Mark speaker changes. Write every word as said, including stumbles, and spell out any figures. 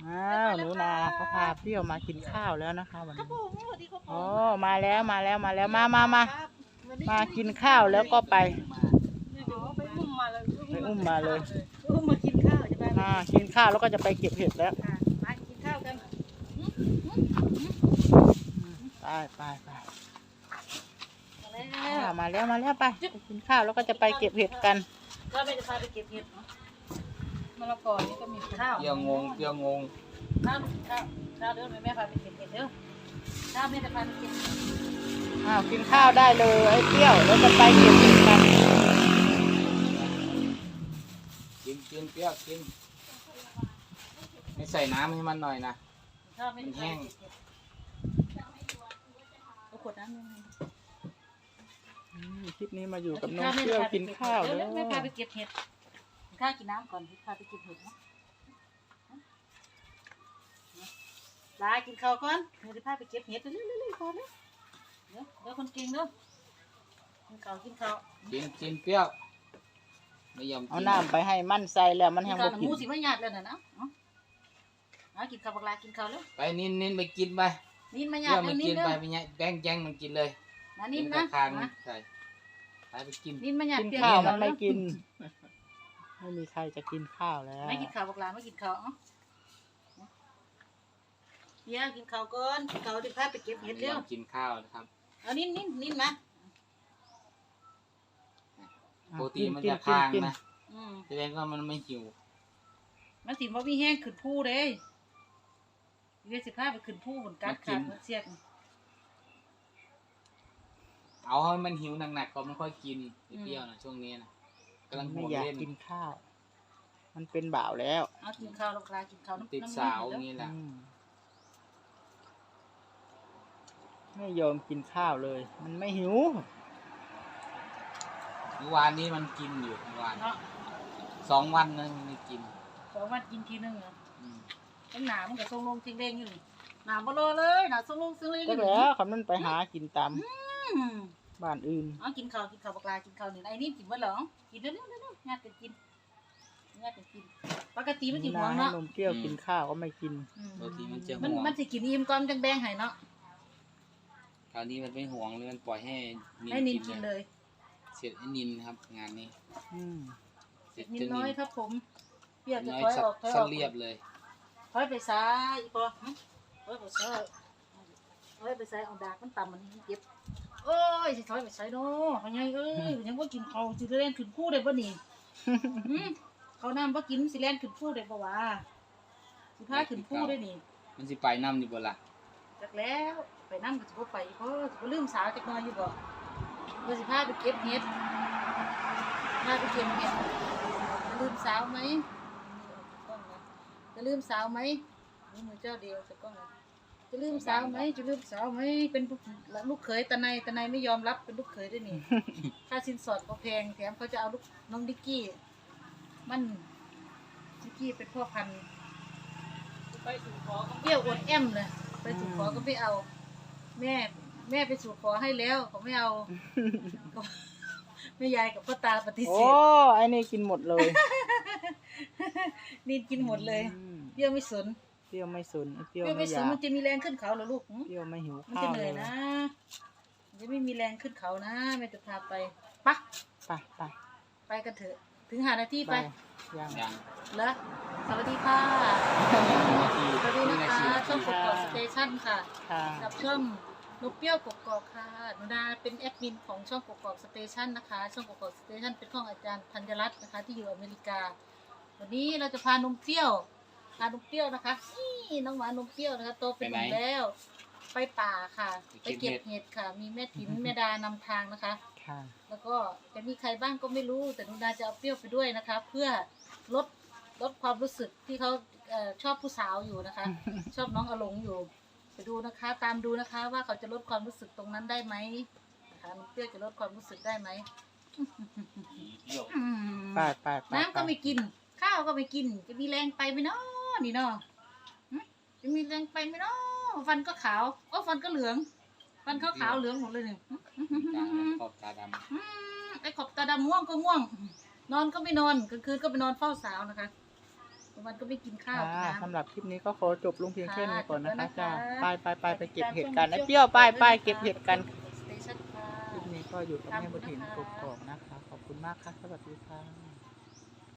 Speaker 1: อ้าวหนูนาเขาพาเปรี้ยวมากินข้าวแล้วนะคะวันนี้โอ้มาแล้วมาแล้วมาแล้วมามามามากินข้าวแล้วก็ไป
Speaker 2: ไปอุ้มมาเลย
Speaker 1: ไปอุ้มมาเลย
Speaker 2: อุ้มมากินข้าวจะไป
Speaker 1: มากินข้าวแล้วก็จะไปเก็บเห็ดแล้ว
Speaker 2: มากินข้าวกัน
Speaker 1: ไปไปไปมาแล้วมาแล้วไปกินข้าวแล้วก็จะไปเก็บเห็ดกัน
Speaker 2: ก็ไม่จะพาไปเก็บเห็ดมะละกอนี่ก็มีข้าว
Speaker 3: เดี๋ยวงงเดี๋ยวงง
Speaker 2: ข้าวข้าวข้าวเดี๋ยวแม่พาไปเก็บเห็ดเดี๋ยวข้าวแม่จะพาไปเก็บ
Speaker 1: อ้าวกินข้าวได้เลยไอ้เปรี้ยวแล้วจะไปเก็บเห็ดกัน
Speaker 3: กินกินเปรี้ยวกินไม่ใส่น้ำให้มันหน่อยนะ
Speaker 2: ข้าวไม่แห้งเอาขวดน้ำยังไง
Speaker 1: คลิปนี้มาอยู่กับน้องเปรี้ยวกินข้าวแล้ว
Speaker 2: แม่พาไปเก็บเห็ดข้าวกินน้ำก่อนพาไปเก็บเห็ดนะลากินข้าวก่อนเดี๋ยวพาไปเก็บเห็ดเร็วๆๆๆก่อนนะเดี๋ยวเดี๋ยวคนเก่งเนาะกินข้าวกินข้าว
Speaker 3: กินกินเปรี้ยวไม่ยอมกิน
Speaker 1: เอาน้ำไปให้มันใส่แล้วมัน
Speaker 2: กิ
Speaker 1: แห้
Speaker 2: น
Speaker 1: ง
Speaker 2: ข้า
Speaker 1: บ่
Speaker 2: ว
Speaker 1: กิน
Speaker 2: หมูสิไม่หยาดเลยนะนะเอากินข้าวบักลากินข้าวแล้ว
Speaker 3: ไปนินนินไปกินไป
Speaker 2: นินมาห
Speaker 3: เป
Speaker 2: ยา
Speaker 3: รี้
Speaker 2: ด
Speaker 3: ยว
Speaker 2: เล
Speaker 3: ไม่
Speaker 2: ยนิ
Speaker 3: กิ
Speaker 2: น
Speaker 3: น
Speaker 2: เด้
Speaker 3: ไป
Speaker 2: อ
Speaker 3: ไปเนี่ยแบงแจงมันกินเลย
Speaker 2: นะนิน
Speaker 3: ก
Speaker 2: นะ
Speaker 3: ระคางใส่ไปไปกิน
Speaker 2: นินมาหยาด
Speaker 1: กิน
Speaker 2: เปียก
Speaker 1: ข้าว
Speaker 2: เห็
Speaker 1: มั
Speaker 2: ด
Speaker 1: นไม่กินไม่มีใครจะกินข้าวแล้ว
Speaker 2: ไม่กินข้าวบักลาไม่กินข้าวอ๋อเดี๋ยวกินข้าวก่อนกินข้าวเดี๋ยวพาไปเก็บเห็ด
Speaker 3: ไม่
Speaker 2: เร็
Speaker 3: ยว อมกินข้าวนะครับ
Speaker 2: เอานินนินนินมา
Speaker 3: ปกติมันจะคางนะ
Speaker 2: อืม
Speaker 3: แสดงว่ามันไม่หิว
Speaker 2: มันสิบ่มีแห้งขึ้นผู้เด้เดี๋ยวสิพาไปขึ้นผู้ผลกัดขาดมันเสียก
Speaker 3: เอาให้มันหิวหนักๆก็ไม่ค่อยกินเปรี้ยวนะช่วงนี้นะกำลัง
Speaker 1: ไม่
Speaker 3: ห่วง
Speaker 1: อยาก
Speaker 3: เล่น
Speaker 1: กินข้าว มันเป็นบ่าวแล้ว
Speaker 2: เอากินข้าวบักลากินข้าวน้ำ
Speaker 3: ติด
Speaker 2: น้ำ
Speaker 3: สาว
Speaker 2: เด้อ
Speaker 3: งี้แหละ
Speaker 1: อืมไม่ยอมกินข้าวเลย มันไม่หิว
Speaker 3: เมื่อวานนี้มันกินอยู่เมื่อวาน
Speaker 2: เนาะ
Speaker 3: สองวันนึงไม่กิน
Speaker 2: สองวันกินทีนึงเหรอ
Speaker 3: อืม
Speaker 2: ตั้งหนามันก็ทรงลงจริงเร่งอยู่นี่หนาบ่รอเลยหนาทรงลงจริงเร่งอ
Speaker 1: ก็
Speaker 2: ยู่
Speaker 1: แล้
Speaker 2: นี่
Speaker 1: วคำนั้นไปหากินตาม
Speaker 2: อืม
Speaker 1: บ้านอื่น
Speaker 2: เอากินข้าวกินข้าวบักลากินข้าวนี่ไอ้นี่กินบ่เหรอกินเร็วๆเร็วๆญาติกันกินญาติกันกินปกติมันสิห่วง
Speaker 1: ให้
Speaker 2: เนาะ
Speaker 1: นมเปรี้ยวกินข้าวก็ไม่กิน
Speaker 2: อืม
Speaker 3: บางทีมันจะ
Speaker 2: มัน
Speaker 3: ห่วง
Speaker 2: มันสิกินอิ่มก่อนจังแบ่งให้เนาะ
Speaker 3: คราวนี้มันไม่ห่วงเลยมันปล่อยให้นิน
Speaker 2: ให้นิน
Speaker 3: กิ
Speaker 2: กิ
Speaker 3: น
Speaker 2: น
Speaker 3: เล
Speaker 2: เลย ย
Speaker 3: เสร็จไอ้นินครับ งานนี้
Speaker 1: อืม
Speaker 3: เสร็จ
Speaker 2: นิด
Speaker 3: เจ้า
Speaker 2: น้
Speaker 3: นิ
Speaker 2: อย
Speaker 3: น
Speaker 2: ครับผมเปรี้ยวจะ
Speaker 3: น้อย
Speaker 2: ถอย
Speaker 3: สั
Speaker 2: ออกถอยอ
Speaker 3: สั
Speaker 2: อก
Speaker 3: เรียบเลย
Speaker 2: ถอยไปซ้ายอีกปอหึถอยไปซ้ายถอยไปซ้ายเอาดากมันต่ำมันเจ็บโอ้ยสิถอยไปซ้ายเนาะพ่อใหญ่เอ้ยยังบ่กินข้าวสิเล่นขึ้นคู่ได้บ่นี่ หืมเขาน้ำบ่กินสิเล่นขึ้นคู่ได้บ่วะสิพาขึ้นคู่ได้นี่
Speaker 3: มันสิไปน้ำอยู่บ่ล่ะ
Speaker 2: จักแล้วไปนำก็สิบ่ไปเพราะสิบ่ลืมสาวจักหน่อยอยู่บ่เพื่อสิพาไปเก็บเห็ดพาไปเก็บเห็ดจะลืมสาวไหมกล้องนะจะลืมสาวไหมนี่มือเจ้าเดียวจะกล้องนะจะลืมสาวไหมจะลืมสาวไหมเป็นลูกเขยตาในตาในไม่ยอมรับเป็นลูกเขยด้วยนี่ ค่าสินสอดก็แพงแถมเขาจะเอาลูกน้องดิกกี้มันดิกกี้เป็นพ่อพันธุ์ไปสู่ขอเปรี้ยวอดแอมเลยไปสู่ขอก็ไม่เอา แม่แม่ไปสู่ขอให้แล้วเขาไม่เอา ก็แม่ยายกับพ่อตาปฏิเส
Speaker 1: โอ้
Speaker 2: ธ
Speaker 1: ไอ้นี่กินหมดเลย
Speaker 2: นี่กินหมดเลย
Speaker 1: อืม
Speaker 2: เปรี้ยวไม่สน
Speaker 1: เปรี้ยวไม่สนไอ้เป
Speaker 2: เป
Speaker 1: รี้ยว
Speaker 2: รี้ยว
Speaker 1: ไม่
Speaker 2: ไม่
Speaker 1: อ
Speaker 2: สน
Speaker 1: ยาก
Speaker 2: มันจะมีแรงขึ้นเขาเหรอลูกหึ
Speaker 1: เปรี้ยวไม่หิว
Speaker 2: มัน
Speaker 1: ข้า
Speaker 2: จะ
Speaker 1: ว
Speaker 2: เห
Speaker 1: เล
Speaker 2: นื่อย
Speaker 1: ย
Speaker 2: นะมันจะไม่มีแรงขึ้นเขานะแม่จะพาไปปะ
Speaker 1: ไปไป
Speaker 2: ไปกันเถอะ ถึงหานาที
Speaker 1: ไป
Speaker 2: ไป
Speaker 1: ยัง
Speaker 3: ยัง
Speaker 2: แล้วสวัสดีค่ะ
Speaker 3: นาที
Speaker 2: สวัสดีนะ
Speaker 3: นา
Speaker 2: คะ
Speaker 3: ที
Speaker 2: ช่องกกอกสเตชันค่ะ
Speaker 1: ค่ะ
Speaker 2: กับช่องนกเปรี้ยวกกอกค่ะหนูนาเป็นแอดมินของช่องกกอกสเตชันนะคะ ช่องกกอกสเตชันเป็นของอาจารย์ธัญรัตน์นะคะ ที่อยู่อเมริกา วันนี้เราจะพานมเปรี้ยวพานมเปรี้ยวนะคะนี่น้องหมานมเปรี้ยวนะคะโตเป็นหนุ่มแล้ว ไปป่าค่ะ ไปเก็บเห็ดค่ะ มีแม่ถิ่นแม่ดานำทางนะคะ
Speaker 1: ค่ะ
Speaker 2: แล้วก็จะมีใครบ้างก็ไม่รู้แต่หนูนาจะเอาเปรี้ยวไปด้วยนะคะ เพื่อลดลดความรู้สึกที่เขาเอ่อชอบผู้สาวอยู่นะคะ ชอบน้องอลงอยู่ไปดูนะคะ ตามดูนะคะ ว่าเขาจะลดความรู้สึกตรงนั้นได้ไหมนะคะน้องเปรี้ยวจะลดความรู้สึกได้ไหม
Speaker 3: เดี๋ยว
Speaker 2: อืม
Speaker 1: ไปไปไป
Speaker 2: น้ำก็ไม่กิน ข้าวก็ไม่กิน จะมีแรงไปไหมเนาะนี่เนาะหึจะมีแรงไปไหมเนาะฟันก็ขาวโอ้ฟันก็เหลือง ฟันขาวขาวๆเหลืองหมดเลยเนี่ย
Speaker 3: ตาขอบตาดำ
Speaker 2: อืมไอ้ขอบตาดำง่วงก็ง่วง นอนก็ไม่นอนกลางคืนก็ไปนอนเฝ้าสาวนะคะวันก็ไม่กินข้าว
Speaker 1: ค่ะ
Speaker 2: กินน้ำ
Speaker 1: สำหรับคลิปนี้ก็ขอจบลงเพียงแค่นี้ก่อนนะคะ
Speaker 2: ค่ะ
Speaker 1: จ้า
Speaker 2: จบแล้วนะคะ
Speaker 1: ไปไปไปไปเก็บเห็ดกันไอ้เปรี้ยวไปไปเก็บเห็ดกัน
Speaker 2: สเตชันค่ะ
Speaker 1: คลิปนี้ก็อยู่กับแม่บุญถิ่นกกอกนะคะ ขอบคุณมากค่ะ สวัสดีค่ะ